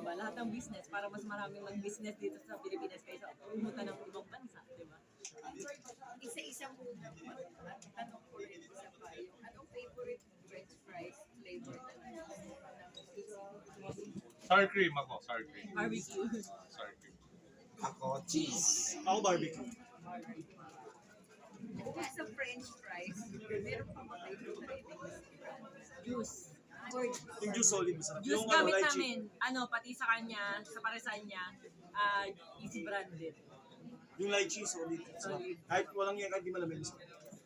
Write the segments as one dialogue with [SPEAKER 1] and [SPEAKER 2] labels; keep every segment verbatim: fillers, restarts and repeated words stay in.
[SPEAKER 1] ba? Lahat ng business, para mas maraming mag-business dito sa Pilipinas kaysa pumunta ng ibang bansa, di ba?
[SPEAKER 2] Isa-isa muna po. At tanong ko rin isa pa, yung anong favorite french fries flavor na
[SPEAKER 3] Sour cream ako, sour cream.
[SPEAKER 1] Barbecue.
[SPEAKER 3] Sour cream.
[SPEAKER 4] Ako, cheese.
[SPEAKER 5] Ako barbecue.
[SPEAKER 2] Bukod sa french fries, meron pa ba kayo favorite
[SPEAKER 1] Juice.
[SPEAKER 5] Yung juice solid masarap.
[SPEAKER 1] Juice
[SPEAKER 5] Yung
[SPEAKER 1] gamit
[SPEAKER 5] lychee.
[SPEAKER 1] namin, ano, pati sa kanya, sa paresan niya, ah, easy branded.
[SPEAKER 5] Yung lychee solid. Masarap.
[SPEAKER 1] Solid.
[SPEAKER 5] Kahit walang yan, kahit di malamig. masarap.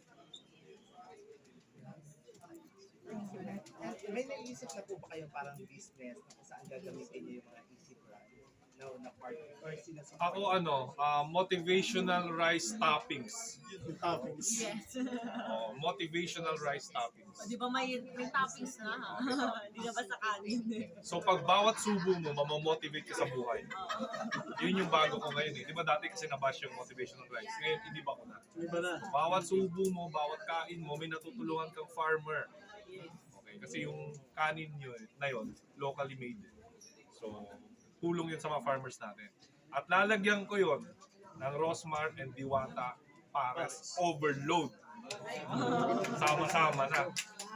[SPEAKER 4] May naisip na po ba kayong parang business na kung saan gagamitin niyo yung mga easy brand na, na part or sinasama?
[SPEAKER 3] Ako ano, ah, motivational rice toppings.
[SPEAKER 5] Yung toppings.
[SPEAKER 1] Yes.
[SPEAKER 3] Oh, motivational rice toppings.
[SPEAKER 1] O, di ba may, may toppings na ha? Hindi na basta kanin.
[SPEAKER 3] So pag bawat subo mo, mamamotivate ka sa buhay. Yun yung bago ko ngayon eh. Di ba dati kasi nabash yung motivational rice. Ngayon, hindi ba ko na.
[SPEAKER 5] Iba na.
[SPEAKER 3] Bawat subo mo, bawat kain mo, may natutulungan kang farmer. Okay, kasi yung kanin nyo eh, na yun, locally made. So, tulong yun sa mga farmers natin. At lalagyan ko yun ng Rosmar and Diwata Pares Overload. Sama-sama na.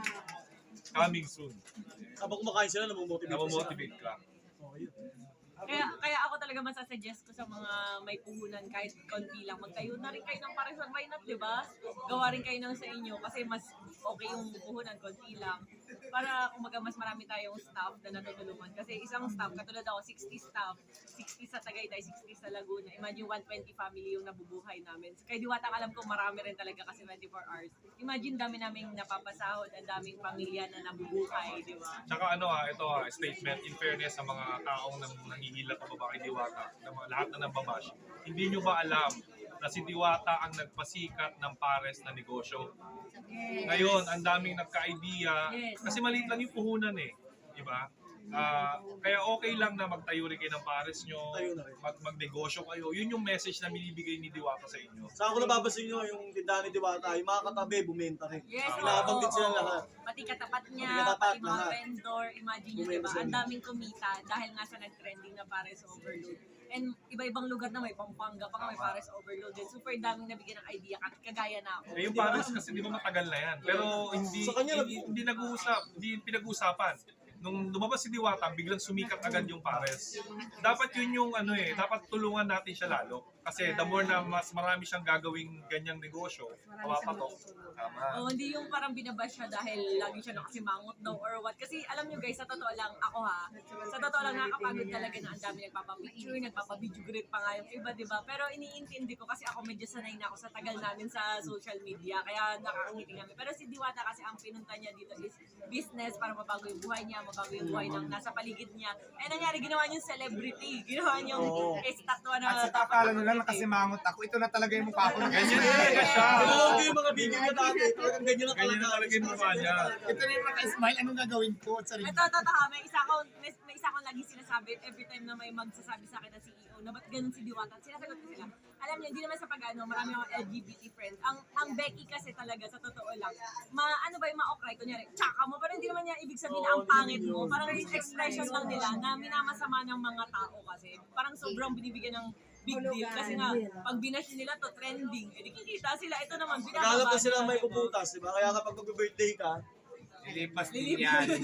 [SPEAKER 3] Coming soon.
[SPEAKER 5] Habang kumakain sila, namomotivate sila.
[SPEAKER 3] Namomotivate ka.
[SPEAKER 5] Oh, yun.
[SPEAKER 1] Kaya kaya ako talaga masasuggest ko sa mga may puhunan kahit konti lang, magtayo na rin kayo ng paresan, why not, di ba? Gawa rin kayo ng sa inyo kasi mas okay yung puhunan, konti lang. Para kumaga mas marami tayong staff na natutulungan. Kasi isang staff, katulad ako, sixty staff, sixty sa Tagaytay, sixty sa Laguna. Imagine one hundred twenty family yung nabubuhay namin. Kaya Diwata, alam ko marami rin talaga kasi twenty-four hours. Imagine dami naming napapasahod, ang daming pamilya na nabubuhay, di ba?
[SPEAKER 3] Tsaka ano ah, ito ah, statement in fairness sa mga taong nang nangihila pa baba kay Diwata, na mga lahat na nambabash. Hindi nyo ba alam na si Diwata ang nagpasikat ng pares na negosyo? Ngayon, ang daming nagka-idea,
[SPEAKER 1] Yes.
[SPEAKER 3] kasi maliit lang yung puhunan eh. Di ba? Ah, kaya okay lang na magtayo rin kayo ng pares nyo,
[SPEAKER 5] Tayo na rin.
[SPEAKER 3] mag magnegosyo kayo. Yun yung message na binibigay ni Diwata sa inyo.
[SPEAKER 5] Saan ko nababasin nyo yung tindahan ni Diwata, yung mga katabi, bumenta rin.
[SPEAKER 1] Yes,
[SPEAKER 5] Pinabanggit
[SPEAKER 1] oo,
[SPEAKER 5] sila
[SPEAKER 1] oo.
[SPEAKER 5] lahat.
[SPEAKER 1] Pati katapat niya,
[SPEAKER 5] Pati katapat,
[SPEAKER 1] pati mga
[SPEAKER 5] lahat.
[SPEAKER 1] vendor, imagine nyo,
[SPEAKER 5] Bumenta
[SPEAKER 1] diba?
[SPEAKER 5] sila.
[SPEAKER 1] Ang daming kumita dahil nga sa nag-trending na Pares Overload. And iba-ibang lugar na may Pampanga pa nga may Pares Overload. And super daming nabigyan ng idea, kat- kagaya na ako.
[SPEAKER 3] Eh, yung pares kasi di ba matagal na yan. Pero hindi
[SPEAKER 5] Sa kanya,
[SPEAKER 3] hindi, hindi nag-uusap, hindi pinag-uusapan. Nung lumabas si Diwata, biglang sumikat agad yung pares. Dapat yun yung ano eh, dapat tulungan natin siya lalo. Kasi the more na mas marami siyang gagawing ganyang negosyo, mapapatok. Tama.
[SPEAKER 1] Oh, hindi yung parang binabash siya dahil lagi siya nakasimangot daw or what. Kasi alam nyo guys, sa totoo lang, ako ha, sa totoo lang nakakapagod talaga na ang dami nagpapapicture, nagpapabideo great pa nga yung iba, di ba? Pero iniintindi ko kasi ako medyo sanay na ako sa tagal namin sa social media, kaya nakakangiti kami. Pero si Diwata kasi ang pinunta niya dito is business para mabago yung buhay niya, mabago yung buhay ng nasa paligid niya. Eh nangyari, ginawa niyang celebrity, ginawa niyang
[SPEAKER 5] Oo.
[SPEAKER 1] estatwa na
[SPEAKER 4] At sa kakala nila nakasimangot ako, ito na talaga yung mukha ko.
[SPEAKER 3] Ganyan talaga siya.
[SPEAKER 5] Pinanood ko yung mga video niya dati, talagang ganyan na
[SPEAKER 3] Ganyan na
[SPEAKER 5] talaga.
[SPEAKER 3] talaga yung mukha niya.
[SPEAKER 4] Ito na yung naka-smile, anong gagawin ko? Sorry.
[SPEAKER 1] Ito, totoo, may isa akong, may, may isa akong lagi sinasabi every time na may magsasabi sa akin na C E O na ba't ganun si Diwata. Sinasagot ko sila. Alam niyo, hindi naman sa pag-ano, marami akong L G B T friends. Ang ang Becky kasi talaga, sa totoo lang, ma, ano ba yung ma-okray, kunyari, tsaka mo, pero hindi naman niya ibig sabihin na ang pangit mo. Parang yung expression lang nila na minamasama ng mga tao kasi. Parang sobrang binibigyan ng big deal kasi nga, pag binash nila to trending, edi kikita sila, ito naman,
[SPEAKER 5] Naghahanap
[SPEAKER 1] binababa
[SPEAKER 5] na sila
[SPEAKER 1] nila,
[SPEAKER 5] may
[SPEAKER 1] diba?
[SPEAKER 5] puputas, di ba? Kaya kapag mag-birthday ka,
[SPEAKER 4] Lilipas din
[SPEAKER 1] Lilipas.
[SPEAKER 4] yan.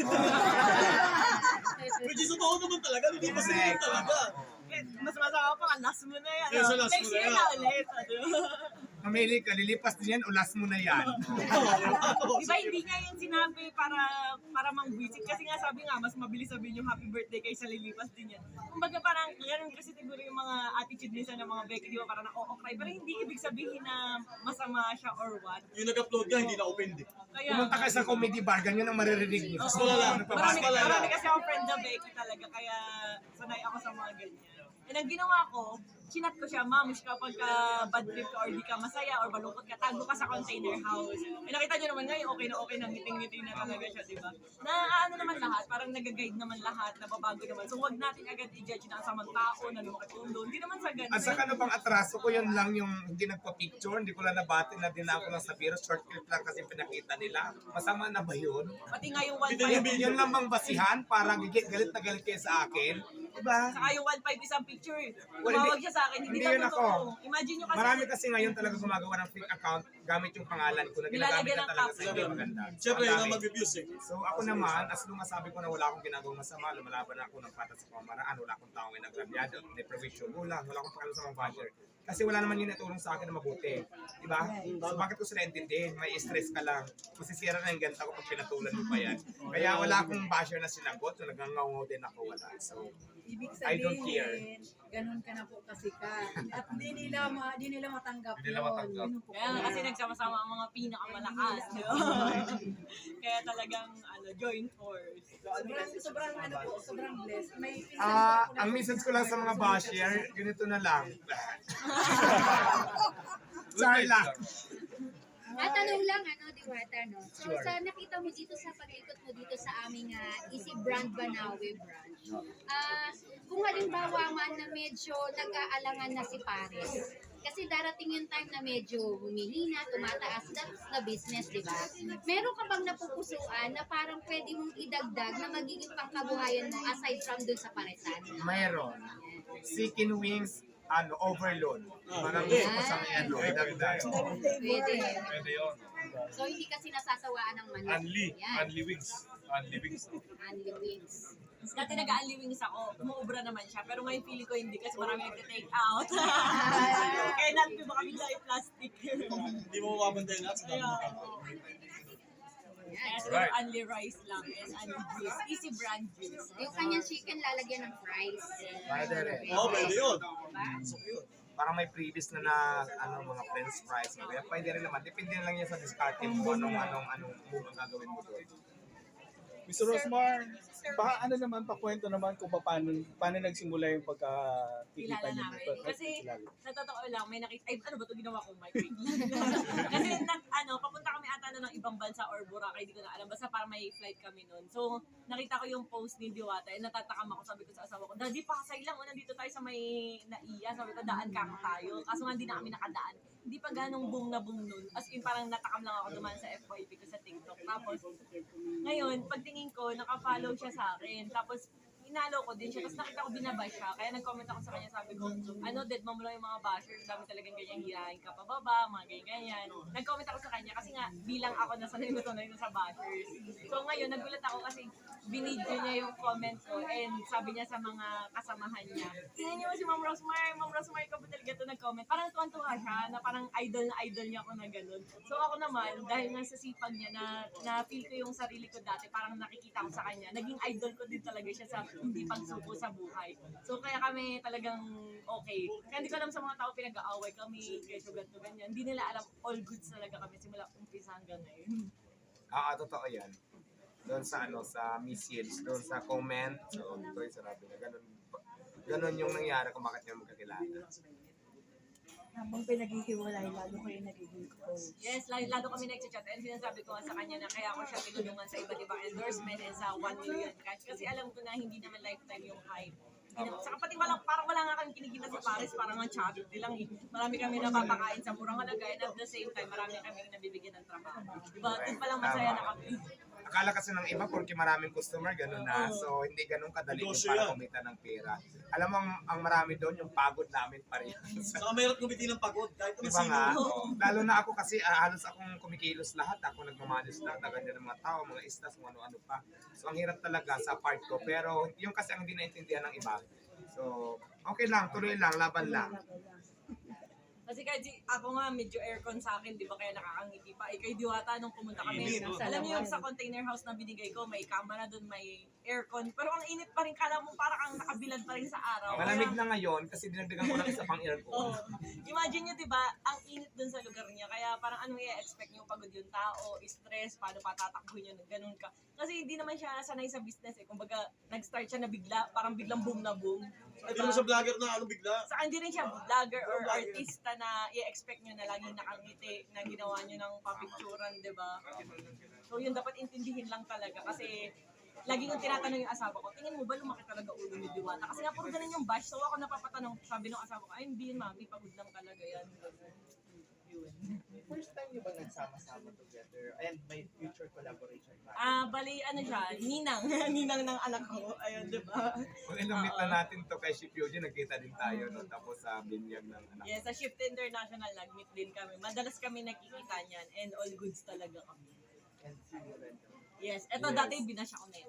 [SPEAKER 5] which is totoo naman talaga, hindi pa sila yun talaga.
[SPEAKER 1] Eh, mas masama pa ka, last mo na yan.
[SPEAKER 5] Kaysa
[SPEAKER 1] no?
[SPEAKER 5] last
[SPEAKER 1] Next
[SPEAKER 5] mo na
[SPEAKER 1] year
[SPEAKER 5] yan.
[SPEAKER 1] na ulit. Ano?
[SPEAKER 4] Mamili ka, lilipas din yan, ulas mo na yan.
[SPEAKER 1] Di ba hindi niya yun sinabi para para mang-visit? Kasi nga sabi nga, mas mabilis sabihin yung happy birthday kaysa lilipas din yan. Kumbaga parang, ganun kasi siguro yung mga attitude nisa ng mga Becky, di ba parang na-o-okray. Pero hindi ibig sabihin na masama siya or what.
[SPEAKER 5] Yung nag-upload ka, hindi na open din.
[SPEAKER 1] Kaya,
[SPEAKER 4] Pumunta ka sa comedy bar, ganyan ang maririnig niyo.
[SPEAKER 1] Oo.
[SPEAKER 5] Mas malala.
[SPEAKER 1] Marami,
[SPEAKER 5] Mas malala.
[SPEAKER 1] marami kasi akong friend na Becky talaga, kaya sanay ako sa mga ganyan. And ang ginawa ko, chinat ko siya, ma'am, kapag ka bad trip ka or di ka masaya or malungkot ka, tago ka sa container house. Eh nakita niyo naman ngayon, okay na okay na, ngiting-ngiti na talaga siya, di ba? Na ano naman lahat, parang nag-guide naman lahat, nababago naman. So wag natin agad i-judge na ang samang tao na lumakatulo. Hindi naman sa ganun.
[SPEAKER 4] At saka ano bang atraso ko, yun lang yung hindi nagpa-picture, hindi ko lang nabati na din ako lang sa virus, short clip lang kasi pinakita nila. Masama na ba yun?
[SPEAKER 1] Pati nga yung one
[SPEAKER 5] Hindi
[SPEAKER 1] five.
[SPEAKER 5] yung
[SPEAKER 4] Yun lang bang basihan para gigit, galit na galit kayo sa akin? Diba?
[SPEAKER 1] Saka yung one five isang picture.
[SPEAKER 4] Well,
[SPEAKER 1] Tumawag
[SPEAKER 4] hindi-
[SPEAKER 1] siya sa akin, hindi
[SPEAKER 4] hindi
[SPEAKER 1] daw
[SPEAKER 4] yun ako.
[SPEAKER 1] totoo. Imagine nyo kasi,
[SPEAKER 4] Marami kasi ngayon talaga gumagawa ng fake account gamit yung pangalan ko na ginagamit
[SPEAKER 1] Nilalagyan
[SPEAKER 4] na
[SPEAKER 1] ng
[SPEAKER 4] talaga sa
[SPEAKER 1] caption.
[SPEAKER 4] hindi maganda.
[SPEAKER 5] Siyempre,
[SPEAKER 4] Ang
[SPEAKER 5] yun
[SPEAKER 4] dami.
[SPEAKER 5] ang mag-abuse eh.
[SPEAKER 4] So ako naman, as lumasabi ko na wala akong ginagawang masama, lumalaban ako ng patas sa pamaraan, wala akong taong inagrabyado, deprivation, wala, wala akong pakialam sa mga basher. Kasi wala naman yun natulong sa akin na mabuti. Diba? So bakit ko sila intindihin? May stress ka lang. Masisira na yung ganta ko pag pinatulan mo pa yan. Kaya wala akong basher na sinagot, so nagngangaw din ako, wala. So,
[SPEAKER 2] Ibig
[SPEAKER 4] I don't
[SPEAKER 2] sabihin,
[SPEAKER 4] care.
[SPEAKER 2] ganun ka na po kasi ka. At di nila, ma, di nila matanggap
[SPEAKER 3] Di nila
[SPEAKER 2] yun.
[SPEAKER 3] matanggap.
[SPEAKER 2] Yun po
[SPEAKER 1] kaya nga
[SPEAKER 2] po.
[SPEAKER 1] kasi nagsama-sama ang mga pinakamalakas, di ba? Kaya talagang, ano, joint force.
[SPEAKER 2] Sobrang, sobrang ano po, sobrang blessed. May pinsan
[SPEAKER 4] ah,
[SPEAKER 2] po ako na-
[SPEAKER 4] ang message ko lang sa mga basher, ganito na lang. Sorry lang.
[SPEAKER 6] At tanong lang, ano, Diwata, no? So,
[SPEAKER 4] Sure.
[SPEAKER 6] sa nakita mo dito sa pag-ikot mo dito sa aming uh, Easy Brand Banawe branch, ah kung halimbawa man na medyo nag-aalangan na si Pares, kasi darating yung time na medyo humihina, tumataas na, na business, di ba? Meron ka bang napupusuan na parang pwede mong idagdag na magiging pangkabuhayan mo aside from dun sa paresan?
[SPEAKER 4] Mayroon. Chicken wings, ano, overload. Parang
[SPEAKER 5] pwede.
[SPEAKER 4] gusto ko sa ano, idagdag.
[SPEAKER 6] Pwede.
[SPEAKER 3] Pwede yun.
[SPEAKER 6] So, hindi kasi nasasawaan ng manok.
[SPEAKER 3] Unli.
[SPEAKER 6] Yan.
[SPEAKER 3] Unli wings. Unli wings.
[SPEAKER 6] Unli wings.
[SPEAKER 1] Dati nag-aali wings ako, umuubra naman siya. Pero ngayon feeling ko hindi kasi marami nagte-take out. Kaya natin ba kami lang plastic.
[SPEAKER 5] Hindi mo mapapantay lahat sa dami
[SPEAKER 1] Kaya,
[SPEAKER 5] ng tao.
[SPEAKER 1] oo. Kaya
[SPEAKER 6] Yan.
[SPEAKER 1] siguro
[SPEAKER 3] Right.
[SPEAKER 1] only rice lang and only juice. Easy brand juice.
[SPEAKER 6] Yung kanyang chicken lalagyan ng fries.
[SPEAKER 4] Pwede rin.
[SPEAKER 5] Oo, pwede yun.
[SPEAKER 6] Diba?
[SPEAKER 5] So, yun.
[SPEAKER 4] Parang may previous na na ano mga french fries. Kaya pwede rin naman. Depende na lang yan sa discarte mo anong anong anong move ang gagawin mo doon.
[SPEAKER 7] mister Rosmar, baka ano naman, pakwento naman kung paano, paano nagsimula yung pagkakikita
[SPEAKER 1] Kilala
[SPEAKER 7] niyo.
[SPEAKER 1] namin.
[SPEAKER 7] Pag-
[SPEAKER 1] Kasi
[SPEAKER 7] kilala.
[SPEAKER 1] sa totoo lang, may nakita, ay ano ba ito ginawa ko, Mike? Wait lang. Kasi nag, ano, papunta kami ata na ng ibang bansa or Boracay, hindi ko na alam. Basta para may flight kami noon. So, nakita ko yung post ni Diwata, eh, natatakam ako, sabi ko sa asawa ko, Daddy, Pasay lang, o nandito tayo sa may naiya. Sabi ko, daan ka tayo. Kaso nga hindi na kami nakadaan. Hindi pa ganong boom na boom nun. As in, parang natakam lang ako dumaan sa F Y P ko sa TikTok. Tapos, ngayon, pagtingin ko, naka-follow siya sa akin. Tapos, inalo ko din siya. Tapos nakita ko binabash siya. Kaya nag-comment ako sa kanya. Sabi ko, ano, dead mom lang yung mga bashers. Dami talagang ganyan hirahin ka pababa, mga ganyan-ganyan. Nag-comment ako sa kanya kasi nga, bilang ako nasanay na sanay na sa bashers. So ngayon, nagulat ako kasi binidyo niya yung comment ko and sabi niya sa mga kasamahan niya, tingnan niyo si Ma'am Rosmar, Ma'am Rosmar, ikaw ba talaga ito nag-comment? Parang tuwan-tuwa siya na parang idol na idol niya ako na gano'n. So ako naman, dahil nga sa sipag niya na, na feel ko yung sarili ko dati, parang nakikita ko sa kanya, naging idol ko din talaga siya sa hindi pagsuko sa buhay. So kaya kami talagang okay. Kaya hindi ko alam sa mga tao pinag-aaway kami, kesyo ganito ganyan. Hindi nila alam all goods talaga kami simula umpisa hanggang ngayon.
[SPEAKER 4] Ah, ah, totoo yan. Doon sa ano, sa message, doon sa comment. So, ito yung sarabi na ganun. Ganun yung nangyari kung bakit niya magkakilala.
[SPEAKER 8] Habang pinaghihiwalay, lalo ko yung nagiging close.
[SPEAKER 1] Yes, lalo, lalo kami nag-chat and sinasabi ko nga sa kanya na kaya ako siya tinulungan sa iba't ibang endorsement and sa one million cash. Kasi alam ko na hindi naman lifetime yung hype. Hindi naman, saka pati walang, parang wala nga kami kinikita sa Paris, parang ang charity lang eh. Marami kami napapakain sa murang halaga and at the same time, marami kami nabibigyan ng trabaho. Diba? Doon palang masaya na kami.
[SPEAKER 4] Akala kasi ng iba, porque maraming customer, ganun na. So, hindi ganun kadali yung
[SPEAKER 5] Negosyo
[SPEAKER 4] para
[SPEAKER 5] yan.
[SPEAKER 4] kumita ng pera. Alam mo, ang, ang marami doon, yung pagod namin parehas.
[SPEAKER 5] Saka mayroon kumiti ng pagod. Kahit
[SPEAKER 4] Di
[SPEAKER 5] naman
[SPEAKER 4] ba
[SPEAKER 5] sino.
[SPEAKER 4] nga? Lalo na ako kasi ah, halos akong kumikilos lahat. Ako nagmamanis lahat. Naganyan ng mga tao, mga istas, kung ano-ano pa. So, ang hirap talaga sa part ko. Pero, yung kasi ang hindi naintindihan ng iba. So, okay lang, tuloy lang, laban lang.
[SPEAKER 1] Kasi kahit si, ako nga medyo aircon sa akin, di ba kaya nakakangiti pa. Eh, kay Diwata nung pumunta kami,
[SPEAKER 5] Init, oh.
[SPEAKER 1] alam niyo yung sa container house na binigay ko, may kama na doon, may aircon. Pero ang init pa rin, kala mo parang ang nakabilad pa rin sa araw.
[SPEAKER 4] Malamig
[SPEAKER 1] Kaya-
[SPEAKER 4] na ngayon kasi dinagdagan ko ng isa pang aircon.
[SPEAKER 1] Oh, imagine nyo, di ba, ang init dun sa lugar niya. Kaya parang anong i-expect nyo, pagod yung tao, stress, paano patatakbuhin nyo, ganun ka. Kasi hindi naman siya sanay sa business eh. Kumbaga, nag-start siya na bigla, parang biglang boom na boom.
[SPEAKER 5] Hindi mo sa vlogger na ano bigla.
[SPEAKER 1] Saka hindi rin siya vlogger or artista na i-expect nyo na laging nakangiti, na ginawa nyo ng papicturan, di ba? So yun, dapat intindihin lang talaga. Kasi lagi kong tinatanong yung asawa ko, tingin mo ba lumaki talaga ulo ni Diwata? Kasi nga puro ganun yung bash. So ako napapatanong, sabi ng asawa ko, ay hindi, mami, pagod lang talaga yan. June.
[SPEAKER 9] First time niyo ba nagsama-sama together and may future collaboration pa?
[SPEAKER 1] Ah, bali, ano siya, ninang. ninang ng anak ko. Ayun, di ba?
[SPEAKER 4] Kung inumit na natin to kay Ship Yoji, nagkita din tayo, no? Tapos sa binyag ng anak.
[SPEAKER 1] Yes, sa Shift International, nag-meet din kami. Madalas kami nakikita niyan and all goods talaga kami.
[SPEAKER 9] And see you rin.
[SPEAKER 1] Yes, eto dati binash ako na ito.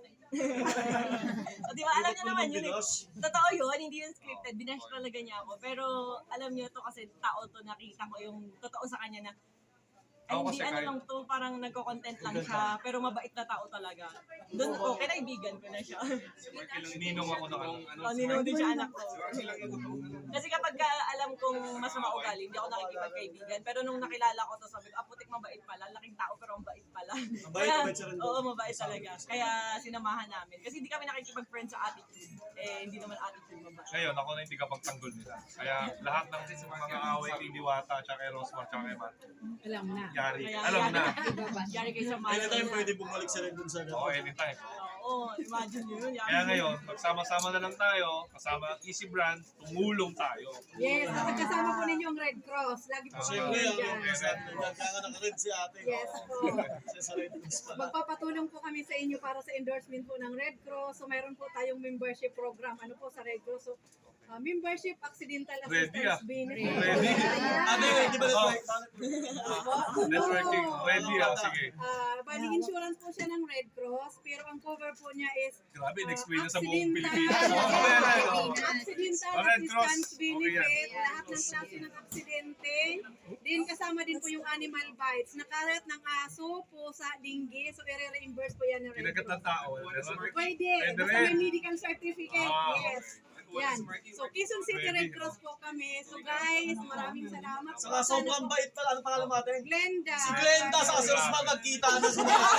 [SPEAKER 1] So, di ba, alam niyo naman yun. eh. Totoo yun, hindi yun scripted. Binash talaga niya ako. Pero alam niyo to kasi tao to, nakita ko yung totoo sa kanya na ay,
[SPEAKER 3] Ako
[SPEAKER 1] hindi
[SPEAKER 3] kasi
[SPEAKER 1] ano
[SPEAKER 3] kahit-
[SPEAKER 1] lang to, parang nagko-content lang siya, pero mabait na tao talaga. Doon ko, kinaibigan ko na siya.
[SPEAKER 3] Ninong ako ng ano.
[SPEAKER 1] O, ninong din siya anak ko. Kasi kapag ka alam kong masama ugali, hindi ako nakikipagkaibigan. Pero nung nakilala ko to, sabi ko, ah, putik mabait pala. Laking tao, pero mabait pala.
[SPEAKER 5] Mabait, mabait siya rin.
[SPEAKER 1] Oo, mabait talaga. Kaya sinamahan namin. Kasi hindi kami nakikipag-friend sa attitude. Eh, hindi naman attitude mabait.
[SPEAKER 3] Ngayon, ako na hindi kapagtanggol nila. Kaya lahat ng mga away kay Diwata, tsaka kay Rosmar, tsaka kay Matt,
[SPEAKER 2] Alam na.
[SPEAKER 3] yari.
[SPEAKER 1] Kaya,
[SPEAKER 3] Alam na.
[SPEAKER 1] Yari kayo sa
[SPEAKER 5] Anytime
[SPEAKER 1] mahal.
[SPEAKER 5] pwede bumalik siya rin dun sa
[SPEAKER 3] Oo, anytime.
[SPEAKER 1] Oo, imagine nyo yun. Yari.
[SPEAKER 3] Kaya ngayon, magsama-sama na lang tayo, kasama ang Easy Brand, tumulong tayo.
[SPEAKER 2] Yes, at kasama po ninyo ang Red Cross. Lagi po
[SPEAKER 3] Ah,
[SPEAKER 5] Siyempre,
[SPEAKER 2] kami
[SPEAKER 5] ang
[SPEAKER 2] dyan.
[SPEAKER 5] representative. Kaya nga naka-red si ate.
[SPEAKER 2] Yes po.
[SPEAKER 5] Kasi sa Red Cross pala.
[SPEAKER 2] Magpapatulong po kami sa inyo para sa endorsement po ng Red Cross. So mayroon po tayong membership program. Ano po sa Red Cross? So uh, membership accidental
[SPEAKER 3] Ready
[SPEAKER 2] assistance
[SPEAKER 3] ah.
[SPEAKER 2] benefit.
[SPEAKER 3] Ready.
[SPEAKER 5] Ate, di ba
[SPEAKER 3] Oh.
[SPEAKER 5] network?
[SPEAKER 3] Networking, ready ah, sige.
[SPEAKER 2] Ah, bali insurance po siya ng Red Cross, pero ang cover po niya is
[SPEAKER 3] Grabe,
[SPEAKER 2] ah,
[SPEAKER 3] in-explain na sa buong
[SPEAKER 2] accidental-
[SPEAKER 3] Pilipinas. Okay, okay, okay.
[SPEAKER 2] Accidental
[SPEAKER 3] Oh, Red Cross.
[SPEAKER 2] assistance
[SPEAKER 3] Okay
[SPEAKER 2] benefit, lahat ng klase ng aksidente. Din kasama din po yung animal bites. Nakalat ng aso, pusa, linggi. So, i-reimburse po yan ng Red
[SPEAKER 3] Kinagat ng
[SPEAKER 2] Cross.
[SPEAKER 3] tao. Meron?
[SPEAKER 2] Pwede.
[SPEAKER 3] Pwede
[SPEAKER 2] Basta
[SPEAKER 3] rin.
[SPEAKER 2] may medical certificate.
[SPEAKER 3] Ah,
[SPEAKER 2] Yes. Yan. So, Quezon City
[SPEAKER 3] Pwede.
[SPEAKER 2] Red Cross po kami. So, guys, maraming salamat. po.
[SPEAKER 5] Saka sobrang bait pala. Ano pangalan mo ate?
[SPEAKER 2] Glenda.
[SPEAKER 5] Si Glenda sa si Rosmar nagkita na sa mga.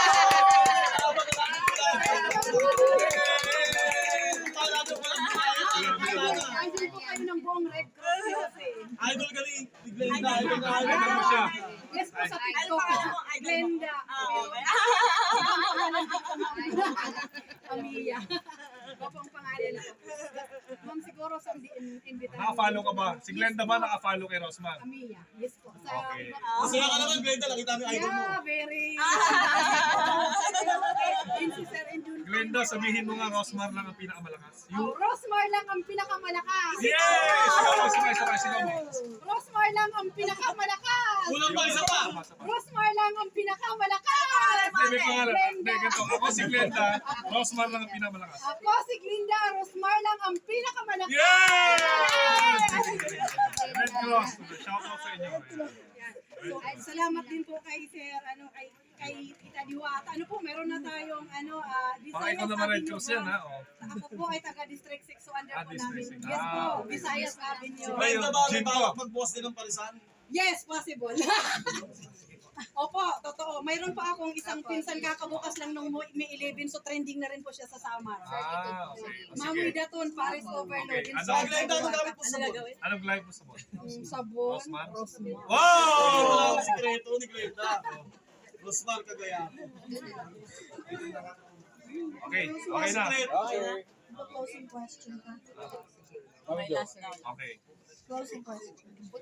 [SPEAKER 2] Idol po kayo ng buong Red Cross. Kasi.
[SPEAKER 5] Idol ka ni ni Glenda. Idol na idol.
[SPEAKER 3] Idol mo siya.
[SPEAKER 2] Yes po sa
[SPEAKER 1] Ano
[SPEAKER 2] TikTok.
[SPEAKER 1] pangalan mo? Idol mo?
[SPEAKER 2] Glenda.
[SPEAKER 1] Ah, okay.
[SPEAKER 2] Amiya. Opo ang pangalan ko. Ma'am, siguro sa imbitahan.
[SPEAKER 3] Naka-follow ka ba? Si Glenda ba naka-follow kay Rosmar?
[SPEAKER 2] Amiya. Yes po. Sa,
[SPEAKER 3] Okay.
[SPEAKER 5] Masaya ka naman Glenda. Nakita mo yung idol mo.
[SPEAKER 2] Yeah, very. Yun si Sir Endun.
[SPEAKER 3] Glenda, sabihin mo nga Rosmar lang ang pinakamalakas.
[SPEAKER 2] Oh,
[SPEAKER 3] You?
[SPEAKER 2] Rosmar lang ang pinakamalakas.
[SPEAKER 3] Yes! Sigaw mo, sigaw, sigaw, sigaw mo.
[SPEAKER 2] Rosmar lang ang pinakamalakas.
[SPEAKER 5] Kulang pa isa pa.
[SPEAKER 2] Rosmar lang ang pinakamalakas.
[SPEAKER 3] Hindi, may pangalan. Hindi,
[SPEAKER 2] Glenda.
[SPEAKER 3] ganito. Ako si Glenda, Rosmar lang ang pinakamalakas.
[SPEAKER 2] Ako si Glinda. Rosmar lang ang pinakamalakas.
[SPEAKER 3] Yes! Red Cross. Shout out sa inyo.
[SPEAKER 2] Yan. So, ay, salamat din po kay Sir, ano, kay, kay Tita Diwata. Ano po, meron na tayong, ano, ah,
[SPEAKER 3] Baka ikaw
[SPEAKER 2] Visayas
[SPEAKER 3] naman Red
[SPEAKER 2] Avenue
[SPEAKER 3] Cross
[SPEAKER 2] po.
[SPEAKER 3] yan, ha? Oh.
[SPEAKER 2] Ako po ay taga District six, so under
[SPEAKER 3] Ah,
[SPEAKER 2] po
[SPEAKER 3] District
[SPEAKER 2] namin.
[SPEAKER 3] six.
[SPEAKER 2] Yes
[SPEAKER 3] Ah,
[SPEAKER 2] po,
[SPEAKER 3] okay.
[SPEAKER 2] Visayas Avenue.
[SPEAKER 5] Glenda ba?
[SPEAKER 3] Jim
[SPEAKER 5] May
[SPEAKER 3] ko.
[SPEAKER 5] balak magbukas din ng parisan?
[SPEAKER 2] Yes, possible. Opo, totoo. Mayroon pa akong isang pinsan kakabukas lang nung May eleven, so trending na rin po siya sa Samar.
[SPEAKER 3] Ah, okay. O,
[SPEAKER 2] Ma'am
[SPEAKER 3] sige.
[SPEAKER 2] Widaton, Paris Overload.
[SPEAKER 3] Okay.
[SPEAKER 2] in
[SPEAKER 3] Ano?
[SPEAKER 2] Samar,
[SPEAKER 5] Glenda, ano gamit po
[SPEAKER 1] Ano
[SPEAKER 5] sa mo?
[SPEAKER 1] gagawin?
[SPEAKER 3] Anong live mo sa mo?
[SPEAKER 2] Mm, Sabon.
[SPEAKER 3] Rosmar?
[SPEAKER 2] Rosmar.
[SPEAKER 5] Wala
[SPEAKER 3] Wow!
[SPEAKER 5] ang sikreto ni Glenda. Rosmar kagaya.
[SPEAKER 3] Okay, okay na.
[SPEAKER 5] Sikreto.
[SPEAKER 8] Closing question ka.
[SPEAKER 1] May last na.
[SPEAKER 3] Okay.
[SPEAKER 8] Closing question.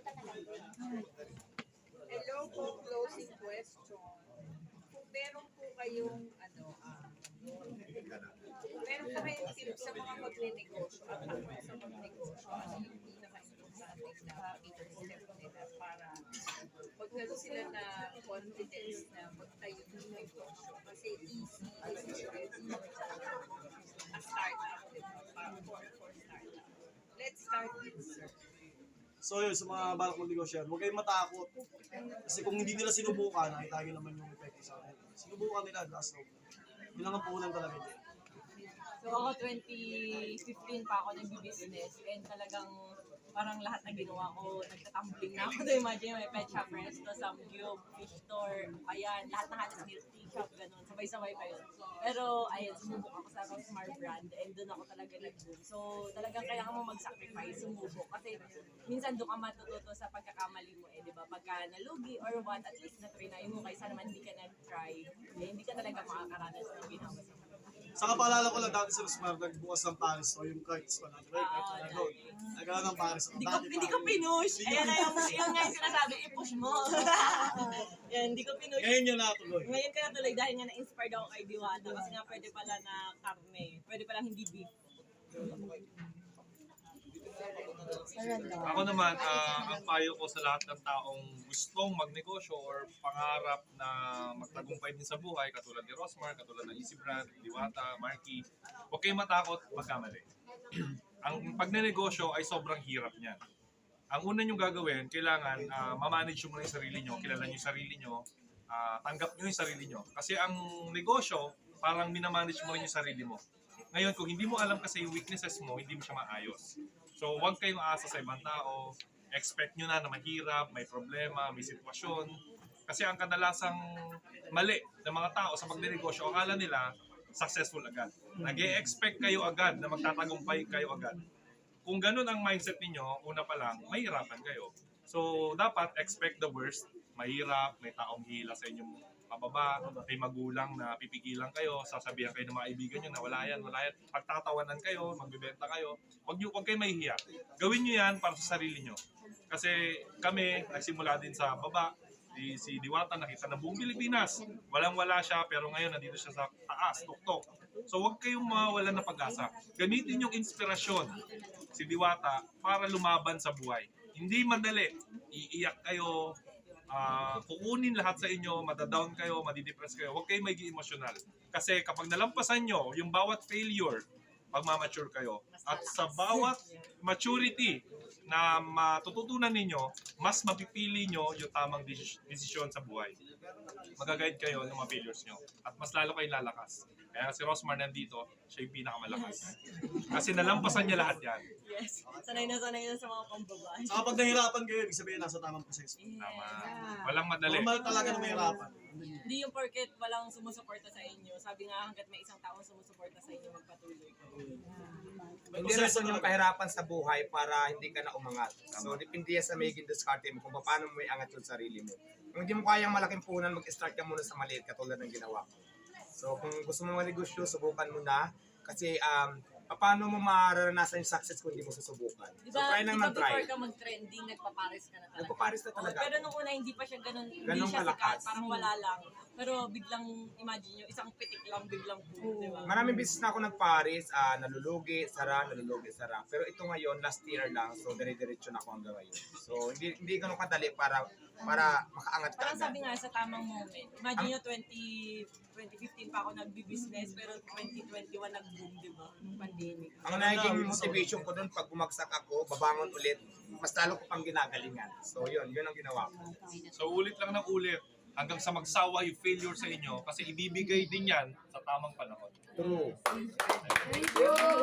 [SPEAKER 2] Hello po, closing question. Kung meron po kayong, ano, ah, meron po kayong tips sa mga magne-negosyo at ako sa magne-negosyo, ano yung pinaka-importante na first step nila para magkaroon sila na confidence na magtayo ng negosyo. Kasi easy is already a startup, diba? Para for, for startup. Let's start with sir.
[SPEAKER 5] So yun, sa mga balak mag-negosyo, huwag kayong matakot. Kasi kung hindi nila sinubukan, nakita nyo naman yung effect sa akin. Sinubukan nila, last hope. Yun lang ang puhunan talaga din.
[SPEAKER 1] So ako twenty fifteen pa ako nag-business and talagang parang lahat na ginawa ko, nagtatumbling na ako. So imagine may pet shop, resto, samgyup, fish store, ayan, lahat na halos milk tea shop, ganun. Sabay-sabay pa yun. Pero ayun, sumubok ako sa Rosmar brand and doon ako talaga nag-boom. So talagang kailangan mo mag-sacrifice, sumubok. Kasi minsan doon ka matututo sa pagkakamali mo eh, di ba? Pagka nalugi or what, at least na-try mo kaysa naman hindi ka nag-try, eh, hindi ka talaga makakaranas ng ginawa sa
[SPEAKER 5] Saka paalala ko lang dati sa Rosmar, nagbukas ng Paris. So yung cards ko natin, right? Cards na doon. Nagkaroon ng Paris.
[SPEAKER 1] Hindi ko, hindi ko pinush. Ayan na yung, yung nga yung sinasabi, i-push mo. Yan, hindi ko pinush.
[SPEAKER 5] Ngayon yun natuloy.
[SPEAKER 1] Ngayon ka natuloy dahil nga na-inspired ako kay Diwata. Kasi nga pwede pala na karne. Pwede pala hindi beef.
[SPEAKER 3] Ako naman, ah, ang payo ko sa lahat ng taong gustong magnegosyo or pangarap na magtagumpay din sa buhay, katulad ni Rosmar, katulad ng Easy Brand, Diwata, Marky, huwag kayong matakot magkamali. Ang pagnenegosyo ay sobrang hirap niyan. Ang una nyo gagawin, kailangan ah, mamanage nyo muna yung sarili nyo, kilala nyo yung sarili nyo, ah, tanggap nyo yung sarili nyo. Kasi ang negosyo, parang minamanage mo rin yung sarili mo. Ngayon, kung hindi mo alam kasi yung weaknesses mo, hindi mo siya maayos. So, huwag kayong aasa sa ibang tao. Expect nyo na na mahirap, may problema, may sitwasyon. Kasi ang kadalasang mali ng mga tao sa pagnenegosyo, akala nila successful agad. Nag-e-expect kayo agad na magtatagumpay kayo agad. Kung ganun ang mindset ninyo, una pa lang, mahirapan kayo. So, dapat expect the worst. Mahirap, may taong hila sa inyong pababa, may magulang na pipigilan kayo, sasabihan kayo ng mga kaibigan nyo na wala yan, wala yan. Pagtatawanan kayo, magbibenta kayo, huwag nyo, huwag kayo mahihiya. Gawin nyo yan para sa sarili nyo. Kasi kami, nagsimula din sa baba, si, si Diwata nakita ng buong Pilipinas. Walang-wala siya, pero ngayon nandito siya sa taas, tuktok. So huwag kayong mawalan ng pag-asa. Gamitin yung inspirasyon, si Diwata, para lumaban sa buhay. Hindi madali, iiyak kayo, Uh, kukunin lahat sa inyo, madadown kayo, madidepress kayo, huwag kayo maging emosyonal. Kasi kapag nalampasan nyo yung bawat failure, pagmamature kayo. At sa bawat maturity na matututunan ninyo, mas mapipili nyo yung tamang desis- desisyon sa buhay. Magaguide kayo ng mga failures nyo. At mas lalo kayo lalakas. Kaya si Rosmar nandito, siya yung pinakamalakas. Kasi nalampasan niya lahat yan.
[SPEAKER 1] Yes. Sanay na sanay na sa mga pambabae.
[SPEAKER 5] Saka pag nahirapan kayo, ibig sabihin nasa tamang proseso.
[SPEAKER 3] Tama. Walang madali.
[SPEAKER 5] Normal talaga na mahirapan.
[SPEAKER 1] Hindi yung porket walang sumusuporta sa inyo. Sabi nga hanggat may isang taong sumusuporta sa inyo, magpatuloy ka.
[SPEAKER 5] May
[SPEAKER 4] Hindi
[SPEAKER 5] proseso
[SPEAKER 4] rason yung
[SPEAKER 5] naman.
[SPEAKER 4] kahirapan sa buhay para hindi ka na umangat. So, depende yan sa magiging diskarte mo kung paano mo iangat yung sarili mo. Kung hindi mo kayang malaking punan, mag-start ka muna sa maliit katulad ng ginawa ko. So, kung gusto mo manegosyo, subukan mo na. Kasi, um, paano mo mararanasan yung success kung hindi mo susubukan? So,
[SPEAKER 1] Diba,
[SPEAKER 4] try lang
[SPEAKER 1] diba
[SPEAKER 4] ng try.
[SPEAKER 1] before ka mag-trending, nagpapares ka na talaga?
[SPEAKER 4] Nagpapares na
[SPEAKER 1] Oo,
[SPEAKER 4] talaga.
[SPEAKER 1] pero nung una, hindi pa siya ganun, hindi
[SPEAKER 4] Ganun
[SPEAKER 1] siya
[SPEAKER 4] kalakas.
[SPEAKER 1] sikat, parang wala lang. Pero biglang, imagine nyo, isang pitik lang, biglang boom, di ba?
[SPEAKER 4] Maraming business na ako nagpares, ah, nalulugi, sara, nalulugi, sara. Pero ito ngayon, last year lang, so dire-diretso na ako hanggang ngayon. So, hindi hindi ganun kadali para para makaangat ka
[SPEAKER 1] Parang
[SPEAKER 4] agad.
[SPEAKER 1] sabi nga sa tamang moment. Imagine nyo, twenty, twenty fifteen pa ako nagbi-business, pero twenty twenty-one nag-boom, di ba? Yung pandemic.
[SPEAKER 4] Ang naging motivation ko doon, pag bumagsak ako, babangon ulit, mas lalo ko pang ginagalingan. So, yun, yun ang ginawa ko.
[SPEAKER 3] So ulit lang ng ulit hanggang sa magsawa yung failure sa inyo kasi ibibigay din yan sa tamang panahon.
[SPEAKER 4] True.
[SPEAKER 6] Thank you.